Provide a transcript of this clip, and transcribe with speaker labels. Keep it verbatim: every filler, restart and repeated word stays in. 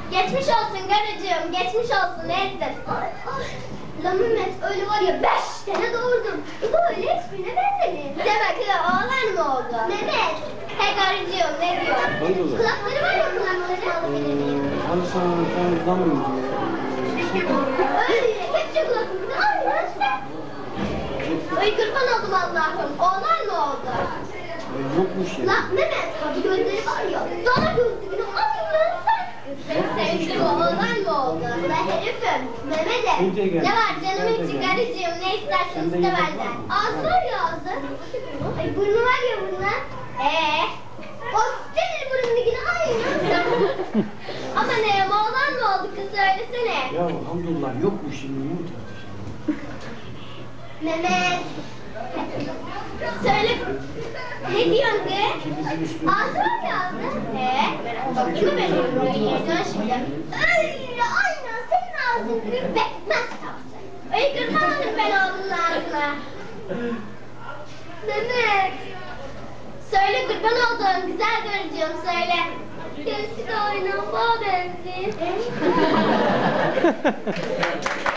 Speaker 1: Geçmiş olsun karıcığım, geçmiş olsun ne ettin? Ay ay. La Mehmet öyle var ya beş tane doğurdum. Böyle hiçbirine benzemeyin. Demek ki oğlan mı oldu? Mehmet. He karıcığım ne diyor? Kulakları var ya kulakları alabilir miyim?
Speaker 2: Hani sana ben bulamıyorum diye.
Speaker 1: Öyle hepsi kulakları aynı işte. Ay kurban oldum Allah'ım. Oğlan mı oldu?
Speaker 2: Yokmuş ya.
Speaker 1: La Mehmet hadi gözleri var ya. Dana gözlüğünü alın sen. Sevgilim oğlan mı oldu? La herifim. Mehmet'e. Ne var canım için karıcığım ne istersin iste benden. Ağzı var ya ağzı. Ay burnu var ya burnu. Eee? O senin burnunu yine aynı. Ama ne oğlan mı oldu kız söylesene.
Speaker 2: Ya hamdollah yokmuş şimdi yumurta.
Speaker 1: Mehmet. Söyle. Ne diyorsun kız? Ağzı var ya ağzı. Ee? Değil mi benim buraya dön şimdi. Öyle aynen senin ağzın gibi bekmez tarzı. Öyle kırmamadım ben oğlunun ağzına. Mehmet. Söyle kurban olduğum güzel görücüğüm söyle. Göğsü de oynama benziyor.